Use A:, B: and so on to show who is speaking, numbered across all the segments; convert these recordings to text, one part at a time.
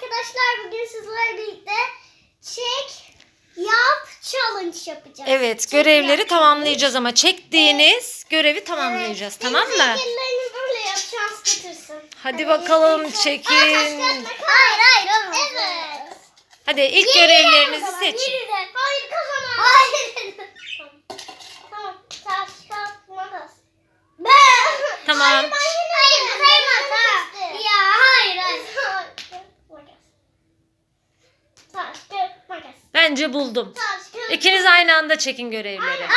A: arkadaşlar, bugün sizlerle birlikte çek, yap, challenge yapacağız.
B: Evet,
A: Çek,
B: görevleri
A: yap,
B: tamamlayacağız ama çektiğiniz görevi tamamlayacağız,
A: evet.
B: tamam mı?
A: Şekillerini böyle yap, şans getirsin.
B: Hadi bakalım, çekin.
A: Hayır olmaz. Evet.
B: Hadi ilk görevlerinizi seçin.
A: Hayır, kazanamam. Hayır. Tamam. Taş, kağıt, makas.
B: Tamam.
A: Hayır, saymaz ha. Ya hayır. Taş, kağıt, makas.
B: Bence buldum.
A: Taş, kağıt.
B: İkiniz aynı anda çekin görevleri.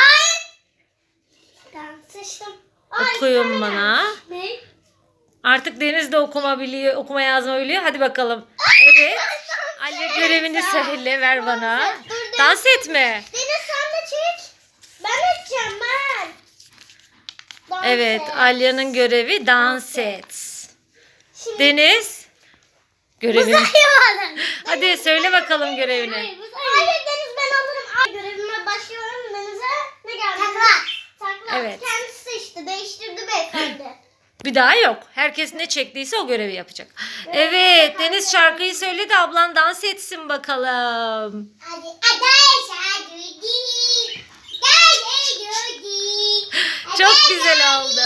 A: Ben seçtim.
B: Okuyun bana.
A: Ne?
B: Artık Deniz de okuma yazma biliyor. Hadi bakalım. Evet. Alya görevini söyle, ver bana. Dans etme.
A: Deniz sen de çek. Ben edeceğim ben. Dans
B: Evet,
A: et.
B: Alya'nın görevi dans et.
A: Şimdi
B: Deniz, görevini.
A: saymadım.
B: Hadi söyle bakalım görevini.
A: Hayır Deniz, ben alırım. Ay, görevime başlıyorum. Deniz'e ne geldi? Takla.
B: Evet.
A: Kendisi seçti. Değiştirdi beyefendi.
B: Bir daha yok. Herkes ne çektiyse o görevi yapacak. Evet, Deniz şarkıyı söyle de ablan dans etsin bakalım.
A: Hadi arkadaşlar
B: Çok güzel oldu.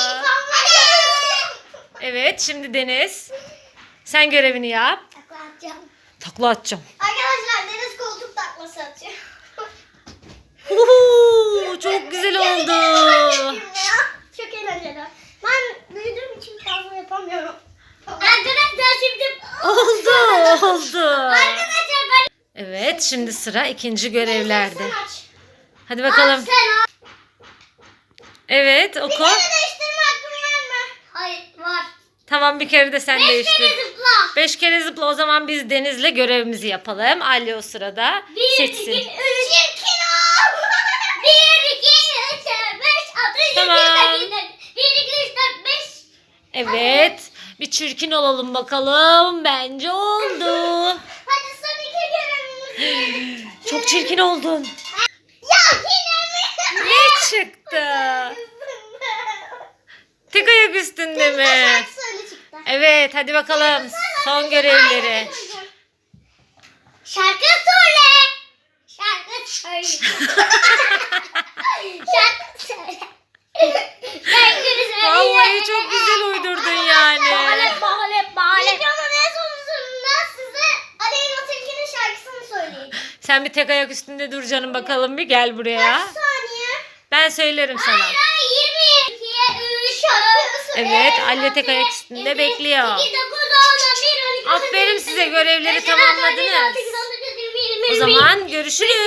B: Evet, şimdi Deniz, sen görevini yap. Takla atacağım.
A: Arkadaşlar Deniz koltuk taklası atıyor.
B: Uhu, çok güzel oldu.
A: Çok eğlenceli. Ben büyüdüğüm için fazla yapamıyorum. Arkadaşlar şimdi
B: Oldu.
A: Arkadaşlar ben
B: Evet, şimdi sıra ikinci görevlerde.
A: Sen aç.
B: Hadi bakalım.
A: Sen aç.
B: Evet,
A: Bir
B: oku.
A: kere değiştirme hakkın var mı? Hayır var.
B: Tamam, bir kere de sen
A: 5
B: değiştir.
A: kere zıpla.
B: 5 kere zıpla, o zaman biz Deniz'le görevimizi yapalım. Alya o sırada
A: 1, 2, 3,
B: seçsin.
A: 1, 2, 3, 4, 5, 6, 7,
B: Tamam.
A: 8, 1, 2, 3, 4, 5.
B: Evet, bir çirkin olalım bakalım. Bence oldu.
A: Hadi son 2 görevimiz.
B: Çok çirkin oldun.
A: Ya yine mi?
B: Ne çıktı? Tek ayak üstünde mi?
A: Şarkı söyle çıktı.
B: Evet, hadi bakalım. Son görevleri.
A: Şarkı söyle. Şarkı söyle. Şarkı söyle. Şarkı söyle.
B: Vallahi çok güzel uydurdun yani.
A: Videonun en sonunda size Aleyna Tilki'nin şarkısını söyleyeceğim.
B: Sen bir tek ayak üstünde dur canım bakalım, bir gel buraya.
A: Kaç saniye?
B: Ben söylerim sana.
A: Hayır 20. 2, 3, 4.
B: Evet, Alya tek ayak üstünde bekliyor.
A: 2, 9, 10, 11, 12,
B: Aferin size, görevleri tamamladınız. O zaman görüşürüz.